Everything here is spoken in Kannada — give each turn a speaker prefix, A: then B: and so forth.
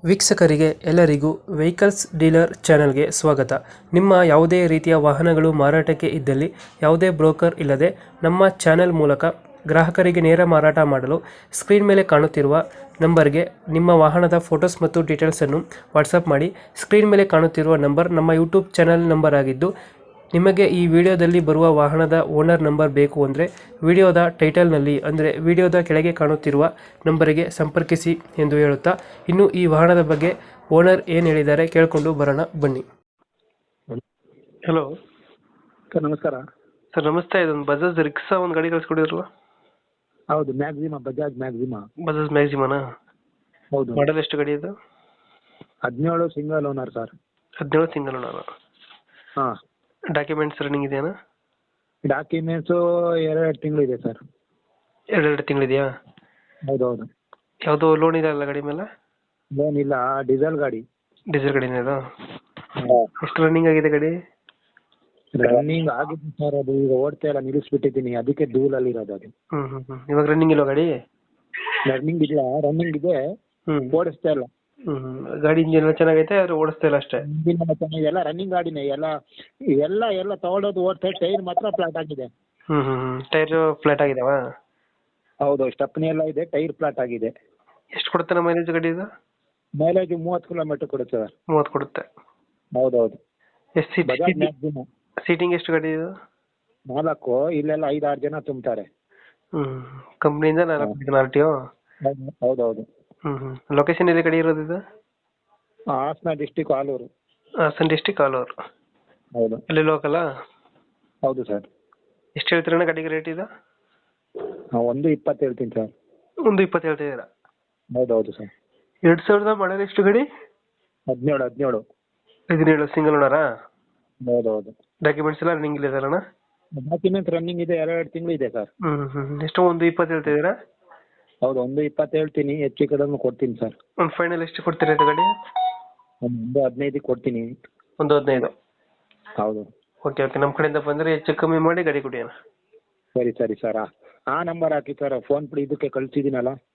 A: ವೀಕ್ಷಕರಿಗೆ ಎಲ್ಲರಿಗೂ ವೆಹಿಕಲ್ಸ್ ಡೀಲರ್ ಚಾನೆಲ್ಗೆ ಸ್ವಾಗತ. ನಿಮ್ಮ ಯಾವುದೇ ರೀತಿಯ ವಾಹನಗಳು ಮಾರಾಟಕ್ಕೆ ಇದ್ದಲ್ಲಿ ಯಾವುದೇ ಬ್ರೋಕರ್ ಇಲ್ಲದೆ ನಮ್ಮ ಚಾನೆಲ್ ಮೂಲಕ ಗ್ರಾಹಕರಿಗೆ ನೇರ ಮಾರಾಟ ಮಾಡಲು ಸ್ಕ್ರೀನ್ ಮೇಲೆ ಕಾಣುತ್ತಿರುವ ನಂಬರ್ಗೆ ನಿಮ್ಮ ವಾಹನದ ಫೋಟೋಸ್ ಮತ್ತು ಡೀಟೇಲ್ಸನ್ನು ವಾಟ್ಸಪ್ ಮಾಡಿ. ಸ್ಕ್ರೀನ್ ಮೇಲೆ ಕಾಣುತ್ತಿರುವ ನಂಬರ್ ನಮ್ಮ ಯೂಟ್ಯೂಬ್ ಚಾನೆಲ್ ನಂಬರ್ ಆಗಿದ್ದು, ನಿಮಗೆ ಈ ವಿಡಿಯೋದಲ್ಲಿ ಬರುವ ವಾಹನದ ಓನರ್ ನಂಬರ್ ಬೇಕು ಅಂದರೆ ವಿಡಿಯೋದ ಟೈಟಲ್ನಲ್ಲಿ ಅಂದರೆ ವಿಡಿಯೋದ ಕೆಳಗೆ ಕಾಣುತ್ತಿರುವ ನಂಬರಿಗೆ ಸಂಪರ್ಕಿಸಿ ಎಂದು ಹೇಳುತ್ತಾ, ಇನ್ನು ಈ ವಾಹನದ ಬಗ್ಗೆ ಓನರ್ ಏನು ಹೇಳಿದ್ದಾರೆ ಕೇಳಿಕೊಂಡು ಬರೋಣ ಬನ್ನಿ. ಹಲೋ
B: ಸರ್ ನಮಸ್ಕಾರ.
A: ಸರ್ ನಮಸ್ತೆ. ಇದೊಂದು ಬಜಾಜ್ ರಿಕ್ಸಾ ಒಂದು ಗಾಡಿ ಕಳಿಸ್ಕೊಡಿದ್ರಲ್ಲ?
B: ಹೌದು, ಮ್ಯಾಕ್ಸಿಮಾ, ಬಜಾಜ್ ಮ್ಯಾಕ್ಸಿಮಾ.
A: ಬಜಾಜ್ ಮ್ಯಾಕ್ಸಿಮಾನಾ?
B: ಹೌದು.
A: ಮಾಡಲ್ ಎಷ್ಟು ಗಾಡಿ ಇದು?
B: 17 single owner sir.
A: 17 single owner.
B: ಹಾಂ.
A: ಡಾಕ್ಯುಮೆಂಟ್ಸ್ ರನ್ನಿಂಗ್ ಇದೆಯಾ?
B: ಡಾಕ್ಯುಮೆಂಟ್ಸು 2 ತಿಂಗಳು ಇದೆ ಸರ್.
A: ಎರಡು ತಿಂಗಳಿದೆಯಾ?
B: ಹೌದೌದು.
A: ಯಾವುದೋ ಲೋನ್ ಇದೆ ಅಲ್ಲ ಗಾಡಿ ಮೇಲೆ?
B: ಲೋನ್ ಇಲ್ಲ, ಡೀಸೆಲ್ ಗಾಡಿ.
A: ಡೀಸೆಲ್ ಗಾಡಿನೇ ಇದು? ಎಷ್ಟು ರನ್ನಿಂಗ್ ಆಗಿದೆ ಗಾಡಿ?
B: ರನ್ನಿಂಗ್ ಆಗಿದೆ ಸರ್, ಅದು ಈಗ ಓಡ್ತಾ ಇಲ್ಲ, ನಿಲ್ಲಿಸ್ಬಿಟ್ಟಿದ್ದೀನಿ, ಅದಕ್ಕೆ ಧೂಳಲ್ಲಿ ಇರೋದು ಅದು.
A: ಇವಾಗ ರನ್ನಿಂಗ್ ಇಲ್ವಾ ಗಾಡಿ?
B: ರನ್ನಿಂಗ್ ಇಲ್ಲ, ರನ್ನಿಂಗ್ ಇದೆ, ಓಡಿಸ್ತಾ ಇಲ್ಲ.
A: ಗಾಡಿ ಇಂಜಿನ್ ಎಲ್ಲ ಚೆನ್ನಾಗೈತೆ, ಆದ್ರೆ ಓಡಿಸ್ತಾ ಇಲ್ಲ ಅಷ್ಟೇ.
B: ಎಲ್ಲ ರನ್ನಿಂಗ್ ಗಾಡಿನೇ, ಎಲ್ಲ ಎಲ್ಲ ಎಲ್ಲ ತಗೊಳ್ಳೋದು ಓಡ್ತಾ, ಟೈರ್ ಮಾತ್ರ ಫ್ಲಾಟ್ ಆಗಿದೆ.
A: ಟೈರ್ ಫ್ಲಾಟ್ ಆಗಿದಾವ?
B: ಹೌದು, ಸ್ಟೆಪ್ನಿ ಎಲ್ಲ ಇದೆ, ಟೈರ್ ಫ್ಲಾಟ್ ಆಗಿದೆ.
A: ಎಷ್ಟು ಕೊಡುತ್ತೆ ಮೈಲೇಜ್ ಗಾಡಿ ಇದು?
B: ಮೈಲೇಜ್ 30 ಕಿಲೋಮೀಟರ್ ಕೊಡುತ್ತೆ ಸರ್.
A: 30 ಕೊಡುತ್ತೆ.
B: ಹೌದೌದು.
A: ಎಷ್ಟು ಸೀಟಿಂಗ್ ಎಷ್ಟು ಗಾಡಿ ಇದು?
B: 4, ಇಲ್ಲೆಲ್ಲ 5-6 ಜನ ತುಂಬ್ತಾರೆ.
A: ಕಂಪ್ನಿಯಿಂದ 4 RTO?
B: ಹೌದೌದು.
A: ಲೊಕೇಶನ್ ಎಲ್ಲಿ ಗಾಡಿ ಇರೋದು ಇದು?
B: ಹಾಸನ ಡಿಸ್ಟಿಕ್, ಆಲೂರು.
A: ಹಾಸನ ಡಿಸ್ಟಿಕ್, ಆಲೂರು.
B: ಹೌದು.
A: ಅಲ್ಲಿ ಲೋಕಲಾ?
B: ಹೌದು ಸರ್.
A: ಎಷ್ಟು ಹೇಳ್ತೀರಣ್ಣ ಗಾಡಿಗೆ ರೇಟ್ ಇದು?
B: 1.20 ಹೇಳ್ತೀನಿ ಸರ್.
A: 1.20 ಹೇಳ್ತಿದ್ದೀರಾ?
B: ಹೌದೌದು ಸರ್.
A: 2000 ಮಾಡಲ್ ಎಷ್ಟು ಗಾಡಿ?
B: 17
A: ಸಿಂಗಲ್ ಓನರಾ?
B: ಹೌದೌದು.
A: ಡಾಕ್ಯುಮೆಂಟ್ಸ್ ಎಲ್ಲ ರನ್ನಿಂಗ್ ಇದೆ ಅಣ್ಣ?
B: ಡಾಕ್ಯುಮೆಂಟ್ ರನ್ನಿಂಗ್ ಇದೆ, 2 ತಿಂಗಳು ಇದೆ ಸರ್.
A: ಎಷ್ಟು 1.20 ಹೇಳ್ತಿದ್ದೀರಾ?
B: ಹೌದು, 1.20 ಹೇಳ್ತೀನಿ, ಹೆಚ್ಚು ಕಡಿಮೆ ಕೊಡ್ತೀನಿ ಸರ್.
A: ಒಂದು ಫೈನಲ್ ಎಷ್ಟು ಕೊಡ್ತೀರಾ ಇದು ಗಾಡಿ?
B: 1.15 ಕೊಡ್ತೀನಿ.
A: 1.15?
B: ಹೌದು.
A: ಓಕೆ ಓಕೆ, ನಮ್ಮ ಕಡೆಯಿಂದ ಬಂದರೆ ಹೆಚ್ಚು ಕಮ್ಮಿ ಮಾಡಿ ಗಾಡಿ ಕೊಡಿ ಅಣ್ಣ.
B: ಸರಿ ಸರಿ ಸರ್. ಆ ನಂಬರ್ ಹಾಕಿ ಸರ್, ಫೋನ್ ಪೇ ಇದಕ್ಕೆ ಕಳಿಸಿದ್ದೀನಲ್ಲ.